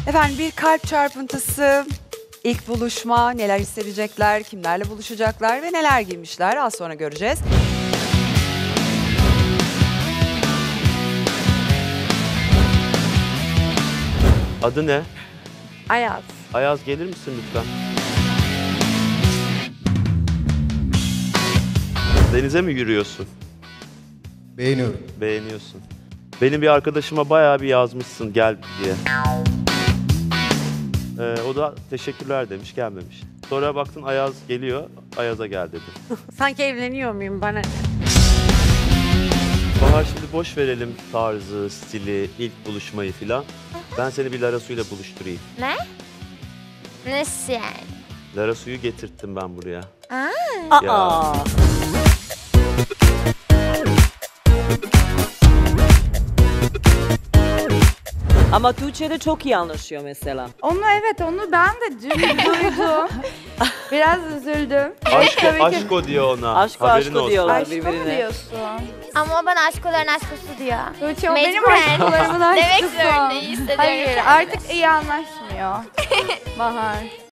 Efendim bir kalp çarpıntısı, ilk buluşma, neler hissedecekler, kimlerle buluşacaklar ve neler giymişler az sonra göreceğiz. Adı ne? Ayaz. Ayaz gelir misin lütfen? Denize mi yürüyorsun? Beğeniyorum. Beğeniyorsun. Benim bir arkadaşıma bayağı bir yazmışsın gel diye. O da teşekkürler demiş, gelmemiş. Sonra baktın Ayaz geliyor, Ayaz'a gel dedi. Sanki evleniyor muyum bana? Bahar şimdi boş verelim tarzı, stili, ilk buluşmayı filan. Ben seni bir Lara Su'yla buluşturayım. Ne? Nasıl yani? Lara Su'yu getirttim ben buraya. Aa. Ya. Ama Tuğçe'de çok iyi anlaşıyor mesela. Onu onu ben de dün duydum. Biraz üzüldüm. Aşko diyor ona. Aşko Haberin aşko olsun. diyorlar Aşkı mı birbirine. diyorsun? Ama o bana aşkoların aşkosu diyor. Tuğçe o benim Mecburen. aşklarımın Demek aşkısı. zorundayım, hissediyorum. Hayır artık iyi anlaşmıyor. Bahar.